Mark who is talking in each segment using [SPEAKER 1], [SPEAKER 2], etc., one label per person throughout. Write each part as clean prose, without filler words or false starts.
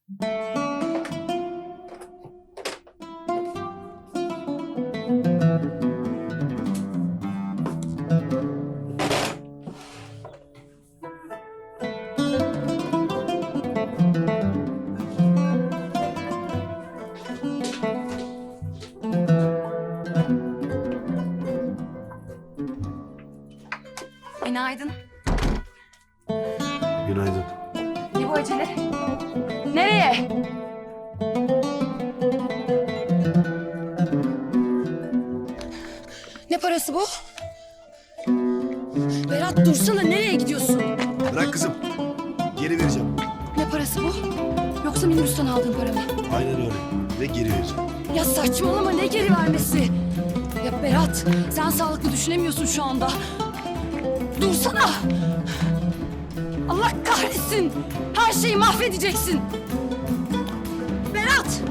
[SPEAKER 1] Günaydın.
[SPEAKER 2] Günaydın.
[SPEAKER 1] Ne bu acele? Nereye? Ne parası bu? Berat dursana, nereye gidiyorsun?
[SPEAKER 2] Bırak kızım. Geri vereceğim.
[SPEAKER 1] Ne parası bu? Yoksa minibüsten aldığın para mı?
[SPEAKER 2] Aynen öyle. Ve geri vereceğim.
[SPEAKER 1] Ya saçmalama, ne geri vermesi? Ya Berat, sen sağlıklı düşünemiyorsun şu anda. Dursana! Allah kahretsin! Her şeyi mahvedeceksin! Berat!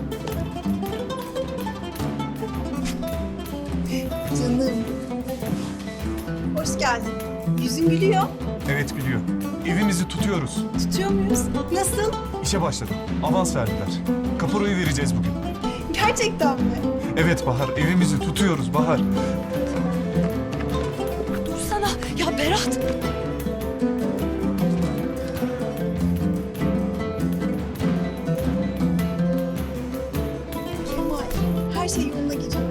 [SPEAKER 3] Canım. Hoş geldin. Yüzün gülüyor.
[SPEAKER 4] Evet biliyor. Evimizi tutuyoruz.
[SPEAKER 3] Tutuyor muyuz? Nasıl?
[SPEAKER 4] İşe başladım. Avans verdiler. Kaporayı vereceğiz bugün.
[SPEAKER 3] Gerçekten mi?
[SPEAKER 4] Evet Bahar, evimizi tutuyoruz Bahar.
[SPEAKER 1] Dursana! Ya Berat!
[SPEAKER 3] Kemal, her şey yoluna girecek.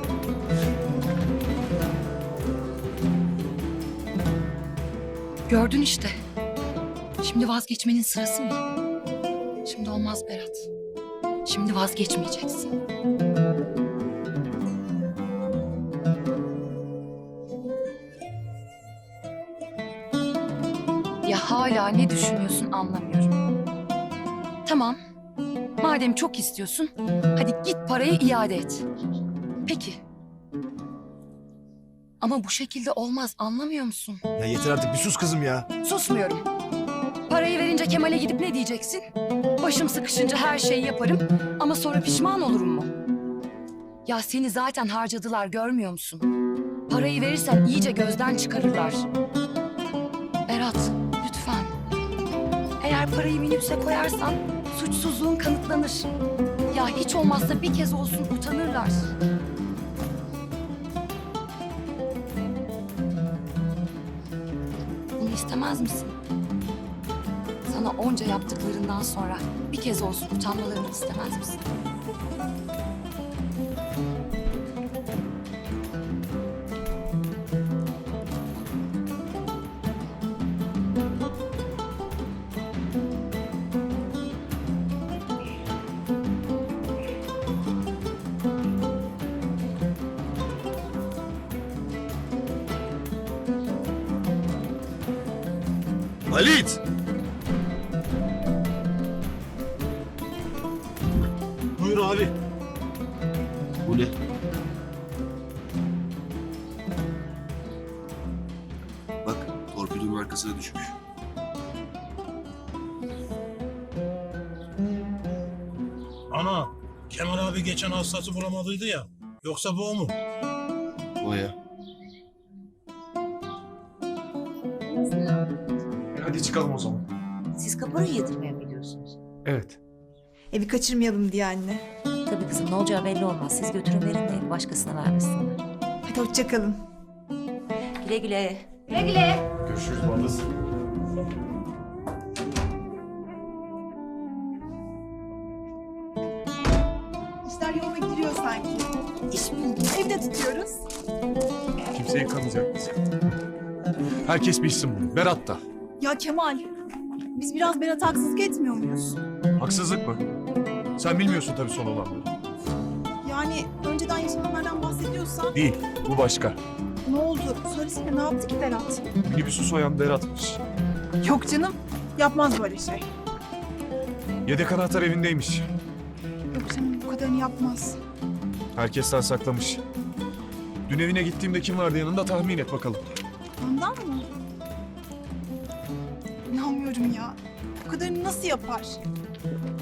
[SPEAKER 1] Gördün işte. Şimdi vazgeçmenin sırası mı? Şimdi olmaz Berat. Şimdi vazgeçmeyeceksin. Ya hala ne düşünüyorsun anlamıyorum. Tamam. Madem çok istiyorsun, hadi git parayı iade et. Peki. Ama bu şekilde olmaz, anlamıyor musun?
[SPEAKER 2] Ya yeter artık, bir sus kızım ya.
[SPEAKER 1] Susmuyorum. Parayı verince Kemal'e gidip ne diyeceksin? Başım sıkışınca her şeyi yaparım ama sonra pişman olurum mu? Ya seni zaten harcadılar, görmüyor musun? Parayı verirsen iyice gözden çıkarırlar. Berat, lütfen. Eğer parayı minibüse koyarsan suçsuzluğun kanıtlanır. Ya hiç olmazsa bir kez olsun utanırlar. Bunu istemez misin? Sana onca yaptıklarından sonra bir kez olsun utanmalarını istemez misin?
[SPEAKER 2] Halit! Buyur abi. Bu ne? Bak, torpidonun arkasına düşmüş.
[SPEAKER 5] Ana, Kemal abi geçen hastası bulamadıydı ya. Yoksa bu o mu?
[SPEAKER 2] O ya.
[SPEAKER 4] Hadi çıkalım o zaman.
[SPEAKER 6] Siz kaporayı yatırmaya mı gidiyorsunuz?
[SPEAKER 4] Evet.
[SPEAKER 3] Evi kaçırmayalım diye anne.
[SPEAKER 6] Tabii kızım, ne olacağı belli olmaz. Siz götürün verin de evi başkasına vermesinler.
[SPEAKER 3] Hadi hoşça kalın.
[SPEAKER 6] Güle güle.
[SPEAKER 1] Güle güle.
[SPEAKER 4] Görüşürüz Baldız.
[SPEAKER 3] İşler yoluna giriyor sanki. İş buldum. Evde tutuyoruz.
[SPEAKER 4] Kimse yıkamayacak bizi. Herkes bilsin bunu. Berat da.
[SPEAKER 3] Ya Kemal, biz biraz Berat'a haksızlık etmiyor muyuz?
[SPEAKER 4] Haksızlık mı? Sen bilmiyorsun tabii son olanları.
[SPEAKER 3] Yani önceden yaşananlardan bahsediyorsan
[SPEAKER 4] Değil. Bu başka.
[SPEAKER 3] ne oldu? Söylesene, ne yaptı ki Berat?
[SPEAKER 4] Minibüsü soyan Berat'mış.
[SPEAKER 3] Yok canım, yapmaz böyle şey.
[SPEAKER 4] Yedek anahtar evindeymiş.
[SPEAKER 3] Yok canım, bu kadarını yapmaz.
[SPEAKER 4] Herkesten saklamış. Dün evine gittiğimde kim vardı yanında tahmin et bakalım.
[SPEAKER 3] Ondan mı? İnanmıyorum ya. Bu kadarını nasıl yapar?